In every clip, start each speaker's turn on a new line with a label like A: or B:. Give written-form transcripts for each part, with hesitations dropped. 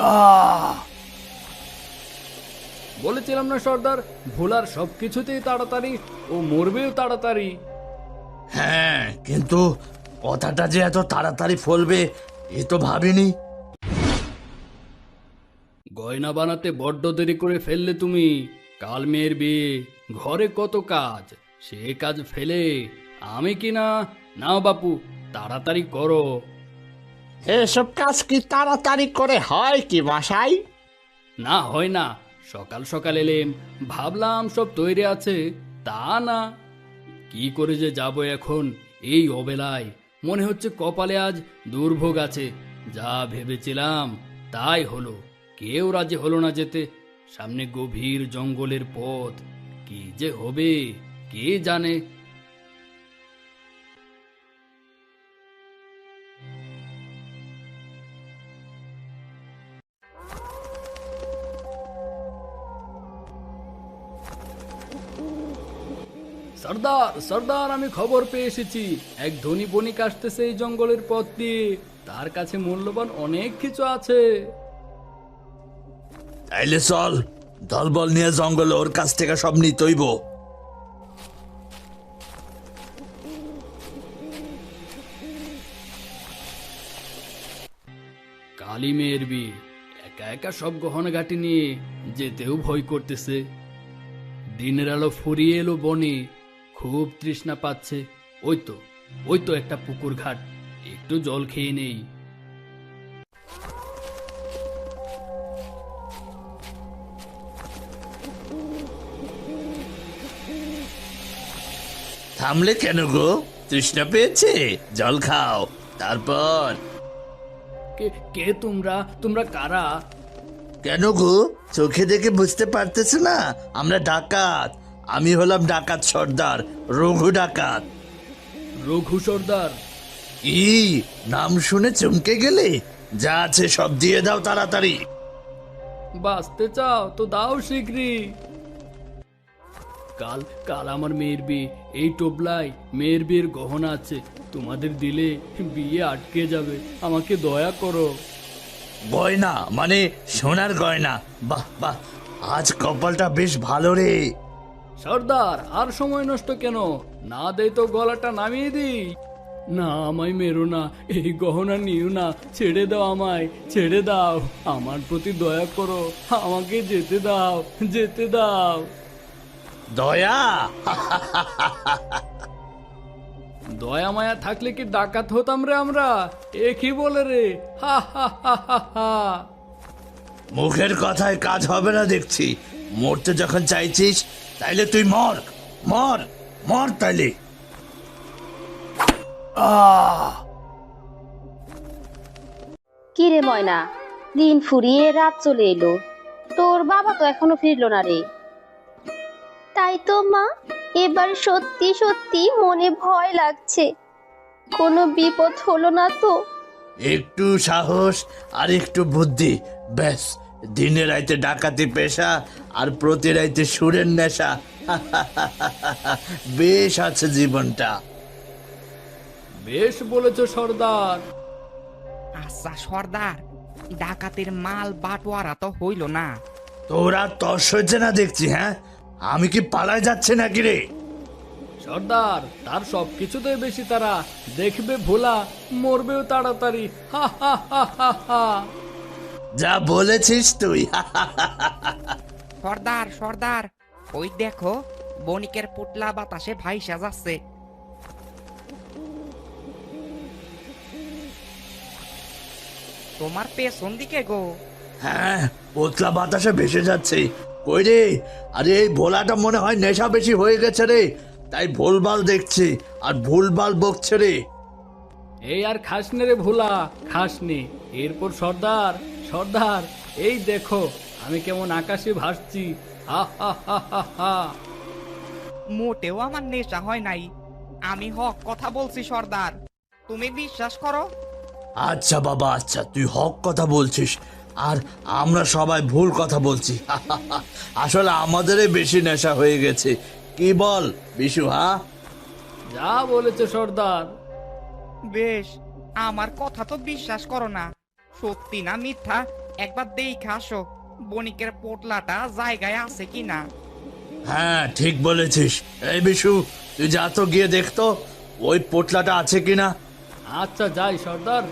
A: আহ বলেছিলাম না সর্দার, ভোলার সবকিছুতেই তাড়াতাড়ি, ও মরবেও তাড়াতাড়ি।
B: হ্যাঁ, কিন্তু কথাটা যে এত তাড়াতাড়ি ফলবে এ তো ভাবিনি।
A: গয়না বানাতে বড্ড দেরি করে ফেললে তুমি। কাল মেয়ের বিয়ে, ঘরে কত কাজ, সে কাজ ফেলে আমি কি না? নাও বাপু, তাড়াতাড়ি করো।
C: এসব কাজ কি তাড়াতাড়ি করে হয় কি মশাই?
A: না হয় না, সকাল সকাল এলেম, ভাবলাম সব তৈরি আছে, তা না। কি করে যে যাব এখন এই অবেলায়? মনে হচ্ছে কপালে আজ দুর্ভোগ আছে। যা ভেবেছিলাম তাই হলো, কেউ রাজি হলো না যেতে। সামনে গভীর জঙ্গলের পথ, কি যে হবে কে জানে। সর্দার সর্দার, আমি খবর পেয়ে এসেছি, এক ধনী বণিক আসতেছে এই জঙ্গলের পথ দিয়ে। তার কাছে মূল্যবান অনেক কিছু আছে।
B: তাইলে চল, দলবল নিয়ে জঙ্গলে ওর কাছ থেকে সব নিতইব।
A: কালী মেয়ের বিয়ে, একা একা সব গহনাঘাটি নিয়ে যেতেও ভয় করতেছে। দিনের আলো ফুরিয়ে এলো বনে, খুব তৃষ্ণা পাচ্ছে। ওই তো একটা পুকুর ঘাট, একটু জল খেয়ে নেই।
B: থামলে কেন গো? তৃষ্ণা পেয়েছে? জল খাও, তারপর।
A: কে কে তোমরা? তোমরা কারা?
B: কেন গো, চোখে দেখে বুঝতে পারতেছ না আমরা ডাকাত? আমি হলাম ডাকাত সর্দার, রঘু ডাকাত।
A: রঘু সর্দার?
B: কি নাম শুনে চমকে গেলে? যা আছে সব দিয়ে দাও তাড়াতাড়ি।
A: বাঁচতে চাও তো দাও শীঘ্রই। কাল কাল আমার মেয়ের বিয়ে, এই টোপলায় মেয়ের বিয়ের গহনা আছে, তোমাদের দিলে বিয়ে আটকে যাবে, আমাকে দয়া করো।
B: গয়না মানে সোনার গয়না? বাহ বাহ, আজ কপালটা বেশ ভালো রে।
A: সর্দার, আর সময় নষ্ট কেন, না দেই তো গলাটা নামিয়ে দিই। না, আমায় মেরো না, এই গহনা নিও না, ছেড়ে দাও আমায়, ছেড়ে দাও, আমার প্রতি দয়া করো, আমাকে যেতে দাও, যেতে দাও।
B: দয়া?
A: দয়া মায়া থাকলে কি ডাকাত হতাম রে আমরা? এ কি বলে রে? হা হা হা হা হা।
B: মুখের কথায় কাজ হবে না দেখছি। মরতে যখন চাইছিস তাইলে তুই মর, মর, মর তাইলে।
A: আহ
D: কি রে ময়না, দিন ফুরিয়ে রাত চলে এলো, তোর বাবা তো এখনো ফিরলো না রে। তাই তো মা, এবার সত্যি সত্যি মনে ভয় লাগছে, কোনো বিপদ হলো না তো?
B: একটু সাহস আর একটু বুদ্ধি, ব্যাস দিনে রাইতে ডাকাতি পেশা আর প্রতি রাইতে সুরের নেশা। বেশ আছে জীবনটা।
A: বেশ বলেছ সর্দার।
E: আচ্ছা সর্দার, ডাকাতের মাল বাটোয়ারা তো হইল না।
B: তোরা তস হয়েছে না দেখছি। হ্যাঁ, আমি কি পালায় যাচ্ছে নাকি রে?
A: সর্দার, তার সবকিছুতেই বেশি তারা, দেখবে ভোলা মরবেও তাড়াতাড়ি। হা হা হা হা হা।
B: যা বলেছিস তুই।
E: সর্দার সর্দার, ওই দেখো বণিকের পুটলা বাতাসে ভাইসা যাচ্ছে। তোমার পেছন দিকে গো।
B: হ্যাঁ, পোতলা বাতাসে ভেসে যাচ্ছে। কই রে? আরে এই ভোলাটা মনে হয় নেশা বেশি হয়ে গেছে রে, তাই ভুলভাল দেখছে আর ভুলভাল বকছে রে।
A: এই আর খাসনে রে ভোলা, খাসনি। এরপর সর্দার, সর্দার, এই দেখো আমি কেমন আকাশে ভাসছি। হা হা হা হা হা।
E: মোটেও আমার নেশা হয় নাই, আমি হক কথা বলছি সর্দার, তুমি বিশ্বাস করো।
B: আচ্ছা বাবা, আচ্ছা, তুই হক কথা বলছিস আর আমরা সবাই ভুল কথা বলছি। আসলে আমাদেরই বেশি নেশা হয়ে গেছে। কি বল বিশু? হ্যাঁ,
A: যা বলেছে সর্দার।
E: বেশ, আমার কথা তো বিশ্বাস করো না, সত্যি না মিথ্যা একবার দেখে আসো বণিকের পোটলাটা জায়গায় আছে কিনা।
B: হ্যাঁ ঠিক বলেছিস। এই বিশু, তুই যা তো গিয়ে দেখতো ওই পোটলাটা আছে কিনা।
A: আচ্ছা যাই সর্দার।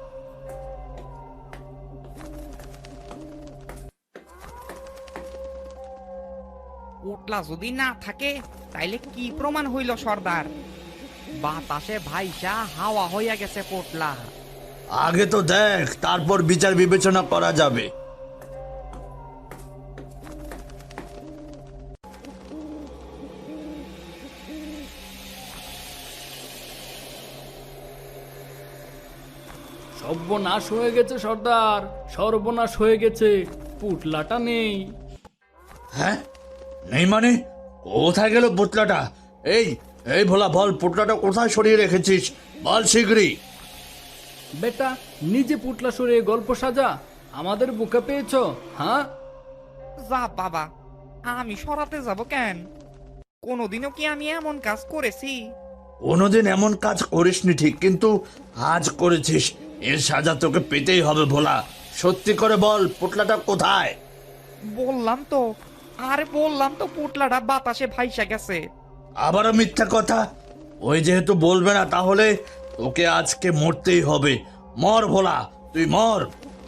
E: পোটলা যদি না থাকে তাইলে কি প্রমাণ হইল সর্দার? বাতাসে ভাইসা হাওয়া হইয়া গেছে পোটলা।
B: আগে তো দেখ, তারপর বিচার বিবেচনা করা যাবে।
A: সর্বনাশ হয়ে গেছে সর্দার, সর্বনাশ হয়ে গেছে, পুটলাটা নেই।
B: হ্যাঁ, নেই মানে? কোথায় গেল পোটলাটা? এই এই ভোলা, বল পোটলাটা কোথায় সরিয়ে রেখেছিস, বল শীঘ্রই।
A: বেটা, নিজে পুটলা সরিয়ে গল্প সাজা, আমাদের বুকে পেয়েছো? হ্যাঁ,
E: যা বাবা, আমি সরাতে যাব কেন? কোনোদিনও কি আমি এমন কাজ করেছি?
B: কোনোদিন এমন কাজ করিসনি ঠিক, কিন্তু আজ করেছিস, এর সাজা তোকে পেতেই হবে ভোলা। সত্যি করে বল পোটলাটা কোথায়?
E: বললাম তো, আরে বললাম তো পোটলাটা বাতাসে ভাইসা গেছে।
B: আবারও মিথ্যা কথা? ওই যেহেতু বলবে না, তাহলে তোকে আজকে মরতেই হবে। মর ভোলা, তুই মর।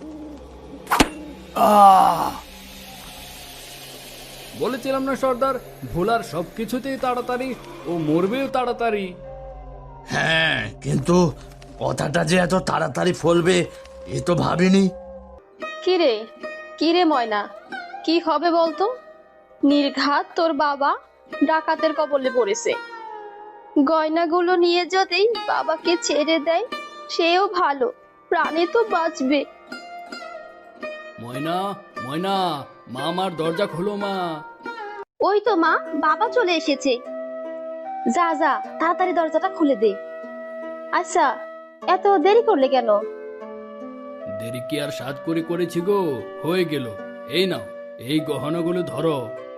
A: বলেছিলাম না সর্দার, ভোলার সবকিছুতেই তাড়াতাড়ি, ও মরবেও তাড়াতাড়ি।
B: হ্যাঁ, কিন্তু কথাটা যে এত তাড়াতাড়ি ফলবে এ তো ভাবিনি।
D: কিরে কিরে ময়না, কি হবে বলতো? নির্ঘাত তোর বাবা ডাকাতের কবলে পড়েছে। গয়নাগুলো নিয়ে যদি বাবাকে ছেড়ে দেয় সেও ভালো, প্রাণে তো বাঁচবে।
A: ময়না, ময়না, মা, আমার দরজা খোলো মা।
D: ওই তো মা, বাবা চলে এসেছে। যা যা, তাড়াতাড়ি দরজাটা খুলে দে। আচ্ছা, এত দেরি করলে কেন?
A: দেরি কি আর সাত করে করেছি গো, হয়ে গেল। এই নাও, এই গহনাগুলো ধরো।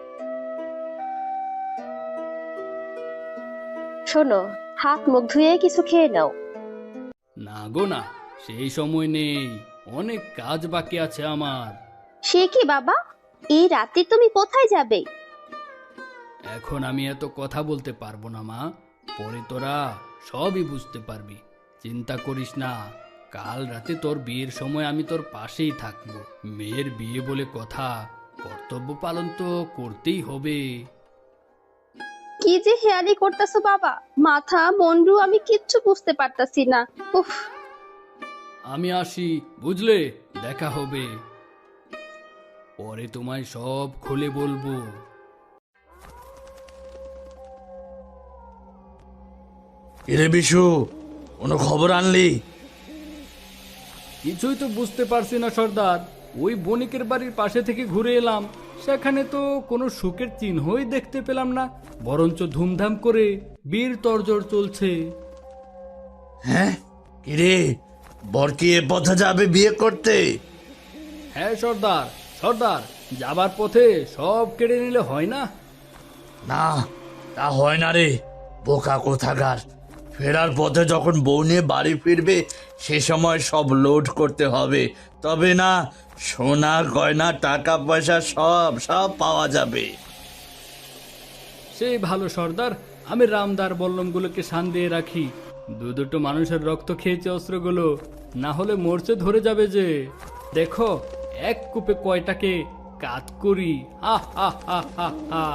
D: শোনো, হাত মুখ ধুয়ে কিছু খেয়ে নাও।
A: না গো না, সেই সময় নেই, অনেক কাজ বাকি আছে আমার।
D: সে কি বাবা, এই রাতে তুমি কোথায় যাবে?
A: এখন আমি এত কথা বলতে পারবো না মা, পরে তোরা সবই বুঝতে পারবি। চিন্তা করিস না, কাল রাতে তোর বিয়ের সময় আমি তোর পাশেই থাকবো। মেয়ের বিয়ে বলে কথা, কর্তব্য পালন তো করতেই হবে।
D: কি যে হেয়ালি করতেছো বাবা, মাথা মন্ডু আমি কিচ্ছু বুঝতে পারতাছি না। উফ,
A: আমি আসি, বুঝলে, দেখা হবে, পরে তোমায় সব খুলে বলবো।
B: এরে বিশু, কোনো খবর আনলি?
A: কিছুই তো বুঝতে পারছি না সর্দার, ওই বণিকের বাড়ির পাশে থেকে ঘুরে এলাম, সেখানে তো কোনো সুখের চিহ্নই দেখতে পেলাম না, বরঞ্চ ধুমধাম করে বীর তরজর চলছে।
B: হ্যাঁ, কিরে, বর কি এ পথে যাবে বিয়ে করতে?
A: হ্যাঁ সর্দার, সর্দার, যাবার পথে সব কেড়ে নিলে হয় না।
B: না, তা হয় না রে, বোকা কোথাকার। ফেরার পথে যখন বউ নিয়ে বাড়ি ফিরবে সে সময় সব লোড করতে হবে, তবে না সোনা গয়না টাকা পয়সা সব সব পাওয়া যাবে।
A: সেই ভালো সর্দার, আমি রামদার বল্লমগুলোকে শান দিয়ে রাখি। দুটো মানুষের রক্ত খেয়েছে অস্ত্রগুলো, না হলে মরচে ধরে যাবে যে। দেখো এক কূপে কয়টাকে কাত করি। হা হা হা হা হা।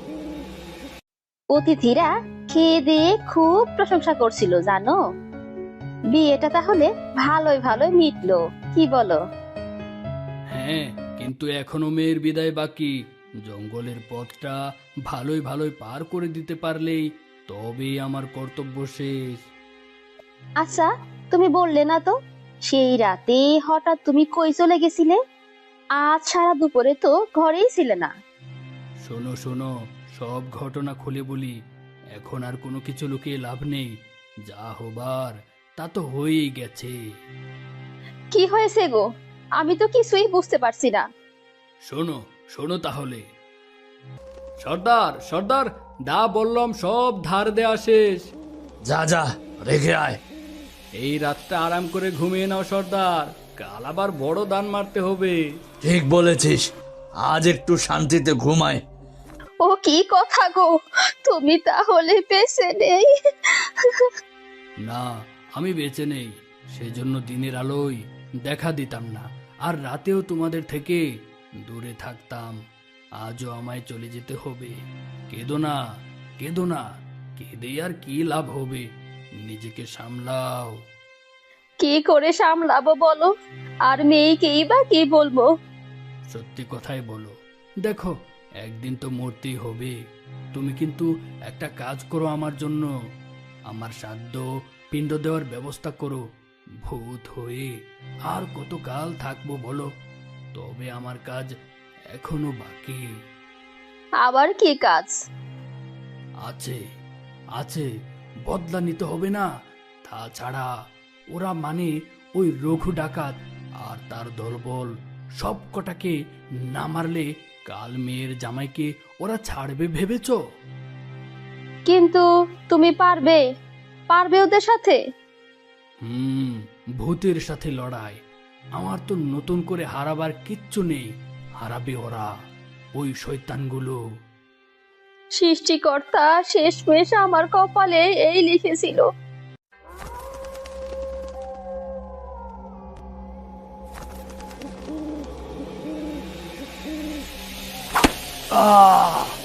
D: অতিথিরা খেয়ে দিয়ে খুব প্রশংসা করছিল জানো। বিয়েটা তাহলে ভালোই ভালোই মিটলো, কি বলো?
A: হ্যাঁ, কিন্তু এখনো মেয়ের বিদায় বাকি। জঙ্গলের পথটা ভালোই ভালোই পার করে দিতে পারলেই তবেই আমার কর্তব্য শেষ।
D: আচ্ছা, তুমি বললে না তো সেই রাতে হঠাৎ তুমি কই চলে গেছিলে? আজ সারা দুপুরে তো ঘরেই ছিলে না।
A: শোনো শোনো, সব ঘটনা খুলে বলি, এখন আর কোনো কিছু লুকিয়ে লাভ নেই। যা হবার তা তো হয়েই গেছে।
D: কি হয়েছে গো? আমি তো কিছুই বুঝতে পারছি না।
A: শোনো শোনো তাহলে। সর্দার, সর্দার, দা বললাম সব ধার দেয়া শেষ।
B: যা যা, রেখে আয়।
A: এই রাতটা আরাম করে ঘুমিয়ে নাও সর্দার, কাল আবার বড় দান মারতে হবে।
B: ঠিক বলেছিস, আজ একটু শান্তিতে ঘুমায়।
D: ও কি কথা গো, তুমি তাহলে বেঁচে নেই?
A: না, আমি বেঁচে নেই, সেজন্য দিনের আলোয় দেখা দিতাম না, আর রাতেও তোমাদের থেকে দূরে থাকতাম। আজও আমায় চলে যেতে হবে। কেঁদো না, কেঁদো না, কেঁদে আর কি লাভ হবে? নিজেকে সামলাও।
D: কি করে সামলাবো বলো? আর মেয়েকেই বা কি বলবো?
A: সত্যি কথাই বলো। দেখো, একদিন তো মরতেই হবে। তুমি কিন্তু একটা কাজ করো আমার জন্য, আমার শ্রাদ্ধ পিণ্ড দেওয়ার ব্যবস্থা করো। ভূত হয়ে আর কত কাল থাকবো বলো? তবে আমার কাজ এখনো বাকি
D: আবার কি কাজ?
A: আছে। আছে, বদলা নিতে হবে না? তাছাড়া ওরা মানে ওই রঘু ডাকাত আর তার দলবল সব কটাকে না মারলে কাল মেয়ের জামাইকে ওরা ছাড়বে ভেবেছো?
D: কিন্তু তুমি পারবে? পারবে ওদের সাথে?
A: ভূতের সাথে লড়াই আমার তো নতুন করে হারাবার কিচ্ছু নেই। হারাবে ওরা, ওই শয়তানগুলো।
D: সৃষ্টিকর্তা শেষমেশ আমার কপালে এই লিখেছিল।
A: আহ